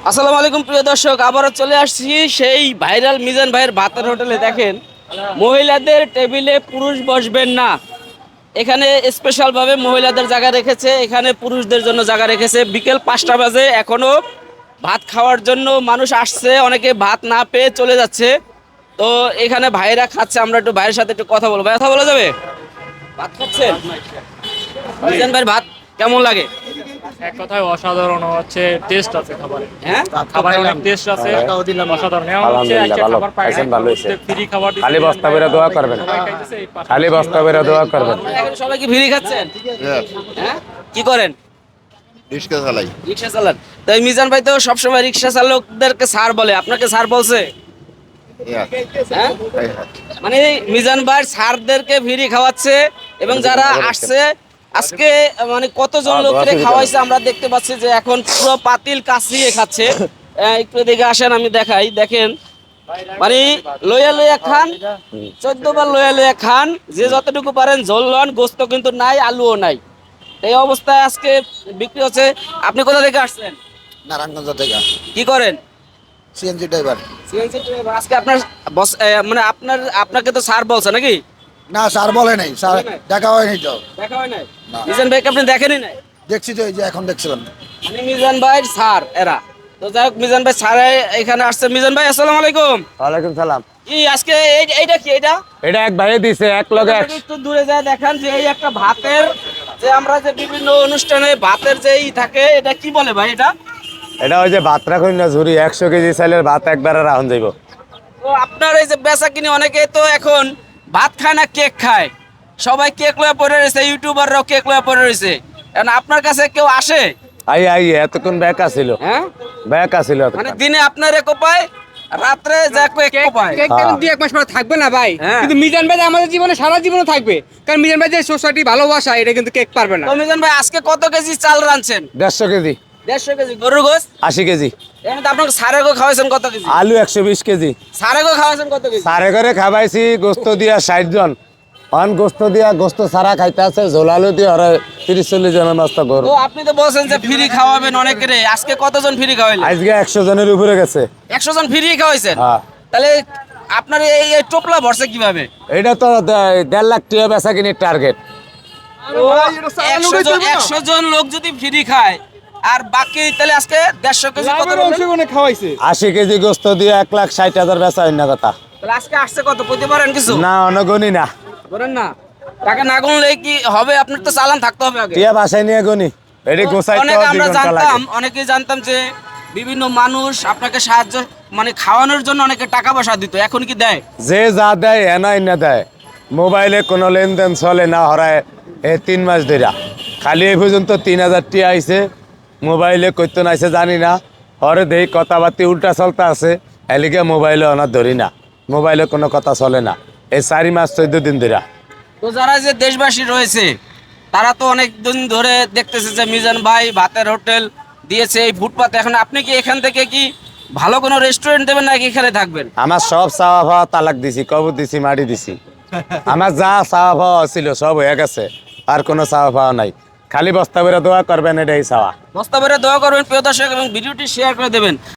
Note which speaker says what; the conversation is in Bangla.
Speaker 1: আসসালামু আলাইকুম প্রিয় দর্শক, আবারও চলে আসছি সেই ভাইরাল মিজান ভাইয়ের ভাতের হোটেলে। দেখেন, মহিলাদের টেবিলে পুরুষ বসবেন না, এখানে স্পেশাল ভাবে মহিলাদের জায়গা রেখেছে, এখানে পুরুষদের জন্য জায়গা রেখেছে। বিকেল 5টা বাজে, এখনো ভাত খাওয়ার জন্য মানুষ আসছে, অনেকে ভাত না পেয়ে চলে যাচ্ছে। তো এখানে ভাইরা খাচ্ছে, আমরা একটু ভাইয়ের সাথে একটু কথা বলবো। কথা বলা যাবে? ভাত খাচ্ছেন? মিজান ভাইয়ের ভাত কেমন লাগে?
Speaker 2: এক কথায় অসাধারণ হচ্ছে, টেস্ট আছে খাবারে।
Speaker 1: হ্যাঁ,
Speaker 2: খাবারে অনেক টেস্ট আছে, অসাধারণ। এখন হচ্ছে
Speaker 3: আলহামদুলিল্লাহ,
Speaker 2: একটা
Speaker 3: ভালো।
Speaker 2: খাবার পায়
Speaker 3: খাইছেন,
Speaker 2: না,
Speaker 3: ভালো হয়েছে।
Speaker 2: ফ্রি খাবার দিচ্ছে।
Speaker 3: খালি বস্তা বেরা দোয়া করবেন,
Speaker 2: সবাই খাইতেছে, এই পাশে
Speaker 3: খালি বস্তা বেরা দোয়া করবেন।
Speaker 1: এখন সবাই কি ফ্রি খাচ্ছেন? হ্যাঁ, কি করেন?
Speaker 4: রিক্সা চালাই।
Speaker 1: রিক্সা চালান? তো এই মিজান ভাই তো সবসময় রিক্সা চালকদেরকে স্যার বলে, আপনাকে স্যার বলছে? হ্যাঁ, মানে এই মিজান ভাই স্যারদেরকে ফ্রি খাওয়াচ্ছে এবং যারা আসছে আজকে, মানে কতজন লোককে খাওয়াইছে আমরা দেখতে পাচ্ছি যে এখন পুরো পাতিল কাছিয়ে খাচ্ছে। একটু দেখে আসেন, আমি দেখাই। দেখেন, মানে লইয়া লইয়া খান, 14 বার লইয়া লইয়া খান, যে যতটুকু পারেন ঝোল লন, গোস্ত কিন্তু নাই, আলুও নাই। এই অবস্থায় আজকে বিক্রি হচ্ছে। আপনি কোথা থেকে আসছেন?
Speaker 4: নারায়ণগঞ্জ থেকে
Speaker 1: কি করেন?
Speaker 4: CNG driver.
Speaker 1: CNG driver. আজকে আপনার বস, মানে আপনাকে তো স্যার বলছে নাকি?
Speaker 4: না, স্যার বলে নাই, স্যার দেখা হয়নি তো।
Speaker 1: দেখা হয় নাই? মিজান ভাইকে আপনি দেখেনই নাই?
Speaker 4: দেখছি তো, এই যে এখন দেখছিলাম।
Speaker 1: মানে মিজান ভাই স্যার এরা। তো যাই হোক, মিজান ভাই স্যার এখানে আসছে। মিজান ভাই আসসালামু আলাইকুম।
Speaker 3: ওয়ালাইকুম সালাম।
Speaker 1: কি আজকে এইটা কি? এটা
Speaker 3: এটা এক ভাইয়ে দিছে, এক লগে
Speaker 1: একটু দূরে যায় দেখান যে এই একটা ভাতের, যে আমরা যে বিভিন্ন অনুষ্ঠানে ভাতের যে ই থাকে, এটা কি বলে ভাই এটা?
Speaker 3: এটা ওই যে ভাত রাখুন না ঝুরি, 100 কেজি চাইলের ভাত একবারে রাখুন যাইব।
Speaker 1: তো আপনার এই যে বেচা কিনে, অনেকে তো এখন ভাত খায় না, কেক খায়। সবাই কেক লয়ে পড়ে রয়েছে, ইউটিউবাররাও কেক লয়ে পড়ে রয়েছে। এখন আপনার কাছে কেউ আসে?
Speaker 3: আই এতক্ষণ ব্যাক আসিল,
Speaker 1: হ্যাঁ,
Speaker 3: ব্যাক আসিল
Speaker 1: মানে দিনে আপনার কোপায়, রাত্রে যা কেক কোপায়।
Speaker 5: কেক
Speaker 3: হ্যাঁ।
Speaker 5: এখন 2-1 মাস পরে থাকবে না ভাই,
Speaker 1: হ্যাঁ।
Speaker 5: কিন্তু মিজান ভাই আমাদের জীবনে সারা জীবনে থাকবে, কারণ মিজান ভাই যে সোসাইটি ভালোবাসা, এটা কিন্তু কেক পারবে না।
Speaker 1: তো মিজান ভাই আজকে কত কেজি চাল রাঁধছেন?
Speaker 3: 150 কেজি,
Speaker 1: 150 কেজি গরুর গোশত।
Speaker 3: 80 কেজি
Speaker 1: এখানে তো আপনাকে সারে গো খাওয়াইছেন কত কেজি?
Speaker 3: আলু, 120 কেজি
Speaker 1: সারে গো খাওয়াইছেন কত কেজি?
Speaker 3: সারে করে খাবাইছি। গোস্ত দিয়া 60 জন, অন গোস্ত দিয়া, গোস্ত সারা খাইতে আছে, ঝোল আলু দিয়ে ওরা 30-40 জনের মস্ত গরু।
Speaker 1: তো আপনি তো বলছেন যে ফ্রি খাওয়াবেন অনেকেরে, আজকে কতজন ফ্রি খাওয়াইলেন?
Speaker 3: আজকে 100 জনের উপরে গেছে।
Speaker 1: 100 জন ফ্রি খাওয়াইছেন?
Speaker 3: হ্যাঁ।
Speaker 1: তাহলে আপনার এই এই টোপলা ভরছে কিভাবে?
Speaker 3: এটা তো 1.5 লাখ টাকা বেচা কিনির টার্গেট।
Speaker 1: 100 জন লোক যদি ফ্রি খায় আর বাকি, তাহলে আজকে 150 কেজি কত বললেন?
Speaker 5: খাওয়াইছে
Speaker 3: 80 কেজি গোস্ত দিয়ে 1,60,000 বেচা অন্য কথা।
Speaker 1: তাহলে আজকে আসছে কত বলতে পারেন কিছু?
Speaker 3: না, অনগণি না,
Speaker 1: বলেন না। টাকা না গুনলে কি হবে? আপনার তো চালান থাকতে হবে আগে।
Speaker 3: টিয়া বাসায় নিয়ে গনি, এটি গোসাইতে
Speaker 1: অনেকে আমরা
Speaker 3: 2 ঘন্টা
Speaker 1: জানতাম,
Speaker 3: লাগে।
Speaker 1: অনেকেই জানতাম যে বিভিন্ন মানুষ আপনাকে সাহায্য, মানে খাওয়ানোর জন্য অনেকে টাকা পয়সা দিত, এখন কি দেয়?
Speaker 3: যে যা দেয় এনাই না দেয়। মোবাইলে কোনো লেনদেন চলে না, হরায় 3 মাস ধরে। খালি এই পর্যন্ত 3,000 টিয়া আইছে, মোবাইলে কইতো নাইছে জানি না। হরে দেই কথাবার্তি উল্টা চলতে আছে, এলিকে মোবাইলে অনার ধরি না, মোবাইলে কোনো কথা চলে না। এই 4 মাস 14 দিন ধরে।
Speaker 1: তো যারা যে দেশবাসী রয়েছে, তারা তো অনেক দিন ধরে দেখতেছে যে মিজান ভাই ভাতের হোটেল দিয়েছে এই ফুটপাতে। এখন আপনি কি এখান থেকে কি ভালো কোনো রেস্টুরেন্ট দেবেন নাকি এখানে থাকবেন?
Speaker 3: আমার সব চাওয়া পাওয়া তালাক দিছি, কবর দিছি, মাটি দিছি। আমার যা চাওয়া পাওয়া ছিল সব হয়ে গেছে, আর কোনো চাওয়া পাওয়া নাই। খালি বস্তা বেরা দোয়া করবেন, এটাই চাওয়া।
Speaker 1: বস্তা ভরে দোয়া করবেন প্রিয় দর্শক, এবং ভিডিওটি শেয়ার করে দেবেন।